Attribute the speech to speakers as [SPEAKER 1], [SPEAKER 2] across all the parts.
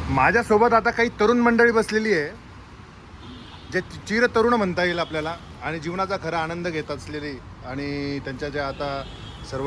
[SPEAKER 1] माझ्यासोबत आता काही तरुण मंडळी बसलेली आहे, जे चिर तरुण म्हणता येईल आपल्याला, आणि जीवनाचा खरा आनंद घेत असलेली, आणि त्यांच्या ज्या आता सर्व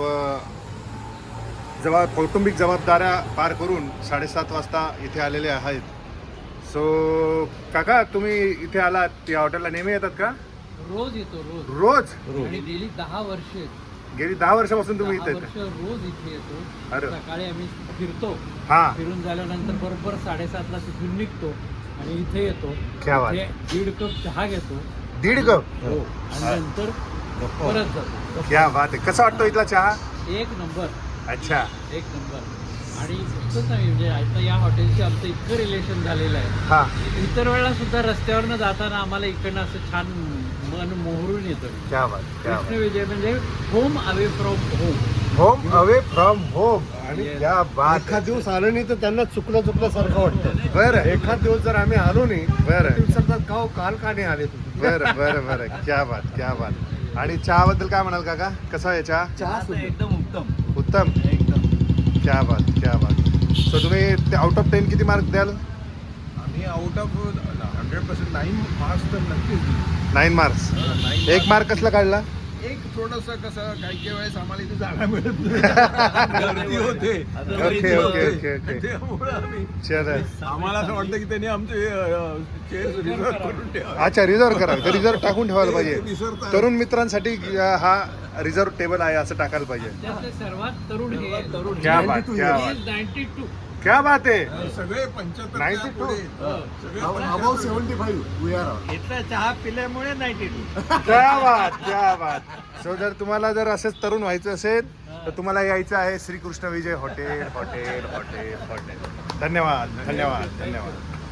[SPEAKER 1] कौटुंबिक जबाबदाऱ्या पार करून 7:30 वाजता इथे आलेले आहेत. सो काका, तुम्ही इथे आलात या हॉटेलला नेहमी येतात का?
[SPEAKER 2] रोज येतो.
[SPEAKER 1] रोज?
[SPEAKER 2] आणि गेली 10 वर्ष
[SPEAKER 1] गेली 10 वर्षापासून तुम्ही इथे येता?
[SPEAKER 2] रोज इथे येतो.
[SPEAKER 1] अरे.
[SPEAKER 2] सकाळी आम्ही फिरतो,
[SPEAKER 1] हा.
[SPEAKER 2] फिरून झाल्यानंतर बरोबर 7:30ला तिथून निघतो आणि इथे येतो.
[SPEAKER 1] क्या बात.
[SPEAKER 2] इथे 1.5 कप चहा घेतो.
[SPEAKER 1] 1.5 कप?
[SPEAKER 2] हो. आणि नंतर परत जातो.
[SPEAKER 1] क्या बात आहे. कसा वाटतो इथला चहा?
[SPEAKER 2] एक नंबर.
[SPEAKER 1] अच्छा.
[SPEAKER 2] एक नंबर. आणि इतकंच नाही, म्हणजे आता या हॉटेलशी आमचं इतकं रिलेशन झालेलं आहे.
[SPEAKER 1] हा.
[SPEAKER 2] इतर वेळेला सुद्धा रस्त्यावरनं जाताना आम्हाला इकडनं असं छान मन मोहरून येतं.
[SPEAKER 1] क्या बात, क्या बात.
[SPEAKER 2] कृष्ण विजय म्हणजे home away from home.
[SPEAKER 1] Home away from home. आणि क्या बात.
[SPEAKER 3] एखाद दिवस आलो नाही तर त्यांना चुकल्यासारखं वाटतं.
[SPEAKER 1] बरं.
[SPEAKER 3] एखाद दिवस जर आम्ही आलो नाही
[SPEAKER 1] बरं.
[SPEAKER 3] ते विचारतात का हो, काल का नाही आले तुम्ही?
[SPEAKER 1] बरं. क्या बात, क्या बात. आणि चहाबद्दल काय म्हणाल काका? कसा आहे चहा?
[SPEAKER 3] चहा
[SPEAKER 2] एकदम उत्तम.
[SPEAKER 1] उत्तम.
[SPEAKER 2] एकदम.
[SPEAKER 1] क्या बात, क्या बात. सो तुम्ही आउट ऑफ 10 किती मार्क द्याल?
[SPEAKER 3] आम्ही आउट ऑफ 100% 9 मार्क्स तर नक्कीच.
[SPEAKER 1] 9 मार्क्स. 1 मार्क कसला काढला?
[SPEAKER 3] एक थोडंसं कसं काही वेळेस आम्हाला इथे जागा मिळत नाही. गर्दी होते.
[SPEAKER 1] ओके.
[SPEAKER 3] त्यामुळे आम्ही
[SPEAKER 1] चला.
[SPEAKER 3] आम्हाला असं वाटतं की त्यांनी आमचे चेअर रिझर्व करून ठेवा.
[SPEAKER 1] अच्छा, रिझर्व करा. रिझर्व टाकून ठेवायला पाहिजे.
[SPEAKER 3] विसरतात.
[SPEAKER 1] तरुण मित्रांसाठी हा रिझर्व टेबल आहे असं टाकायला पाहिजे.
[SPEAKER 2] त्यातले सर्वात तरुण हे तरुण.
[SPEAKER 1] क्या बात, क्या बात.
[SPEAKER 2] 92.
[SPEAKER 1] क्या बात आहे.
[SPEAKER 3] सगळे 75
[SPEAKER 1] 92.
[SPEAKER 3] Above 75 we are.
[SPEAKER 2] इथला चहा पिल्यामुळे 92.
[SPEAKER 1] क्या बात, क्या बात. सो जर तुम्हाला जर असंच तरुण व्हायचं असेल तर तुम्हाला यायचं आहे श्रीकृष्ण विजय हॉटेल. धन्यवाद.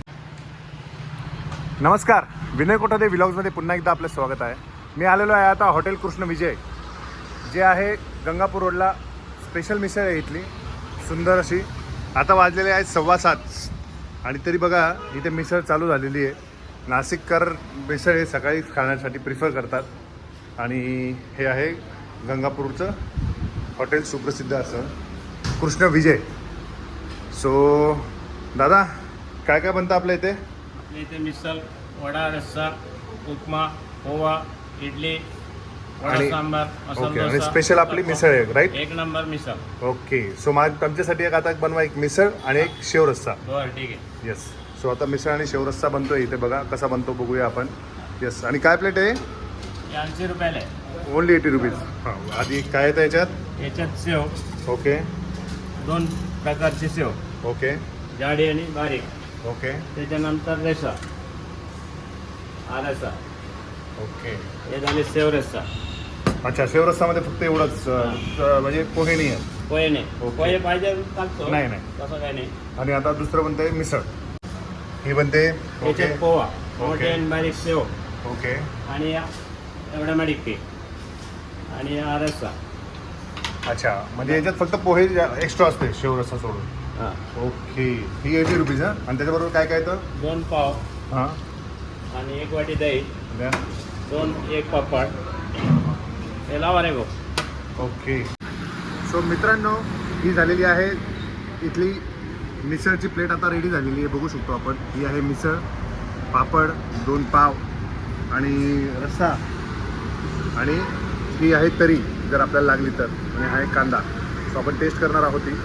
[SPEAKER 1] नमस्कार, विनय कोठादे व्लॉग्समध्ये पुन्हा एकदा आपलं स्वागत आहे. मी आलेलो आहे आता हॉटेल कृष्ण विजय, जे आहे गंगापूर रोडला. स्पेशल मिसळ आहे इथली, सुंदर अशी. आता वाजलेले आहेत 7:15 आणि तरी बघा इथे मिसळ चालू झालेली आहे. नाशिककर मिसळ हे सकाळी खाण्यासाठी प्रिफर करतात. आणि हे आहे गंगापूरचं हॉटेल, सुप्रसिद्ध असं कृष्ण विजय. सो दादा, काय काय बनतं आपल्या इथे?
[SPEAKER 4] आपल्या इथे मिसळ, वडा, रस्सा, उपमा, पोहा, इडली, वडा
[SPEAKER 1] आणि-
[SPEAKER 4] सांबार,
[SPEAKER 1] ओके.
[SPEAKER 4] मसाला
[SPEAKER 1] आणि
[SPEAKER 4] डोसा.
[SPEAKER 1] स्पेशल आपली मिसळ आहे, राईट?
[SPEAKER 4] एक नंबर मिसळ.
[SPEAKER 1] ओके. सो आमच्यासाठी एक आता बनवा, एक मिसळ आणि एक शेव रस्सा.
[SPEAKER 4] बरं, ठीक आहे.
[SPEAKER 1] येस. सो आता मिसळ आणि शेव रस्सा बनतोय इथे, बघा कसा बनतो बघूया आपण. येस. आणि काय प्लेट आहे?
[SPEAKER 4] हे 80 रुपयाला आहे.
[SPEAKER 1] Only 80 rupees. हां. आधी काय येतं याच्यात?
[SPEAKER 4] याच्यात सेव,
[SPEAKER 1] ओके.
[SPEAKER 4] 2 प्रकारची सेव,
[SPEAKER 1] ओके.
[SPEAKER 4] जाडी आणि बारीक.
[SPEAKER 1] ओके.
[SPEAKER 4] त्याच्यानंतर रस्सा, हा रस्सा.
[SPEAKER 1] ओके.
[SPEAKER 4] हे झाले सेव रस्सा.
[SPEAKER 1] अच्छा, शेव रस्सामध्ये फक्त एवढंच म्हणजे पोहे नाही आहे.
[SPEAKER 4] पोहे नाही.
[SPEAKER 1] ओके.
[SPEAKER 4] पोहे पाहिजे टाकतो.
[SPEAKER 1] नाही, नाही.
[SPEAKER 4] तसं काही नाही.
[SPEAKER 1] आणि आता दुसरं बनतंय मिसळ. ही बनते. ओके.
[SPEAKER 4] याच्यात पोहा, मोठे आणि बारीक सेव,
[SPEAKER 1] ओके.
[SPEAKER 4] आणि एवढा बारीक पीठ, आणि हा रस्सा.
[SPEAKER 1] अच्छा, म्हणजे याच्यात फक्त पोहे एक्स्ट्रा असते शेव रस्सा सोडून.
[SPEAKER 4] हां.
[SPEAKER 1] ओके. ही 80 रुपीज. हां. आणि त्याच्याबरोबर काय काय येतं?
[SPEAKER 4] 2 पाव
[SPEAKER 1] हां.
[SPEAKER 4] आणि 1 वाटी दही,
[SPEAKER 1] द्या.
[SPEAKER 4] 1 पापड. हे लावा रे भाऊ.
[SPEAKER 1] ओके. सो मित्रांनो, ही झालेली आहे इथली मिसळची प्लेट. आता रेडी झालेली आहे, बघू शकतो आपण. ही आहे मिसळ, पापड, 2 पाव आणि रस्सा, आणि ही आहे तरी जर आपल्याला लागली तर, आणि हा आहे कांदा. सो आपण टेस्ट करणार आहोत. ही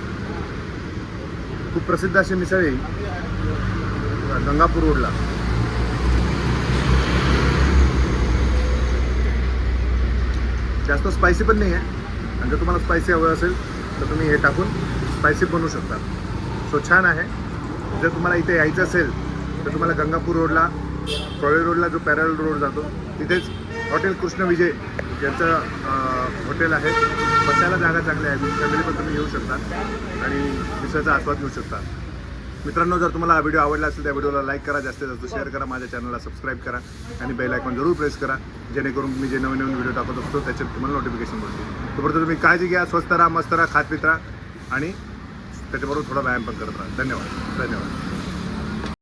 [SPEAKER 1] खूप प्रसिद्ध अशी मिसळ आहे गंगापूर रोडला. जास्त स्पायसी पण नाही आहे, आणि जर तुम्हाला स्पायसी हवं असेल तर तुम्ही हे टाकून स्पायसी बनवू शकता. सो छान आहे. जर तुम्हाला इथे यायचं असेल तर तुम्हाला गंगापूर रोडला, कॉलेज रोडला जो पॅरल रोड जातो तिथेच हॉटेल कृष्ण विजय यांचं हॉटेल आहे. बसायला जागा चांगली आहे. फॅमिली पण तुम्ही येऊ शकता आणि मिसळचा आस्वाद घेऊ शकता. मित्रांनो, जर तुम्हाला हा व्हिडिओ आवडला असेल तर व्हिडिओला लाईक करा, जास्तीत जास्त शेअर करा, माझ्या चॅनलला सबस्क्राईब करा आणि बेल आयकॉन जरूर प्रेस करा, जेणेकरून मी जे नवीन व्हिडिओ टाकत असतो त्याच्यात तुम्हाला नोटिफिकेशन मिळते. तोपर्यंत तुम्ही काळजी घ्या, स्वस्त राहा, मस्त राहा, खात पित राहा, आणि त्याच्याबरोबर थोडा व्यायाम पण करत राहा. धन्यवाद.